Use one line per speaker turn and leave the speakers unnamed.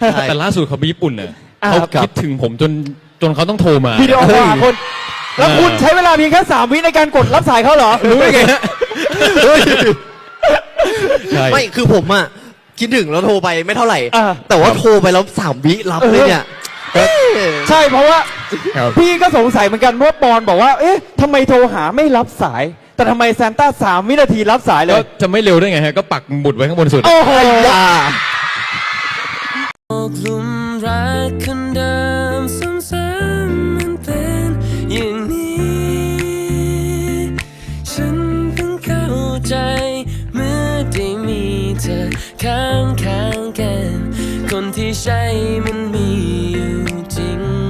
แต่ล่าสุดเขาไปญี่ปุ่นเนี่ย
อ่า
เขาคิดถึงผมจนเขาต้องโทรมา
วิดีโอคอลหาคนแล้วคุณใช้เวลาเพียงแค่3 วิในการกดรับสายเขาเหรอ
รู้ได้ไงฮะใช่
ไม่คือผมอะคิดถึงแล้วโทรไปไม่เท่าไหร่
อ่า
แต่ว่าโทรไปแล้ว3 วิรับเลยเนี่ย
ใช่เพราะว่า
ครับ
พี่ก็สงสัยเหมือนกันเพราะปอนบอกว่าเอ๊ะทำไมโทรหาไม่รับสาย แต่ทำไมซานต้า3 วินาทีรับสายเล
ก็
ย
จะไม่เร็วได้ไงฮะก็ปักหมุดไว้ข้างบนสุด
โอ้โห
อย่า
ตกหลุมรักคนเดิมซ้ำๆมันเป็นอย่างนี้ ฉันเพิ่งเข้าใจเมื่อได้มีเธอข้างกัน คนที่ใช่มันมีอยู่จริง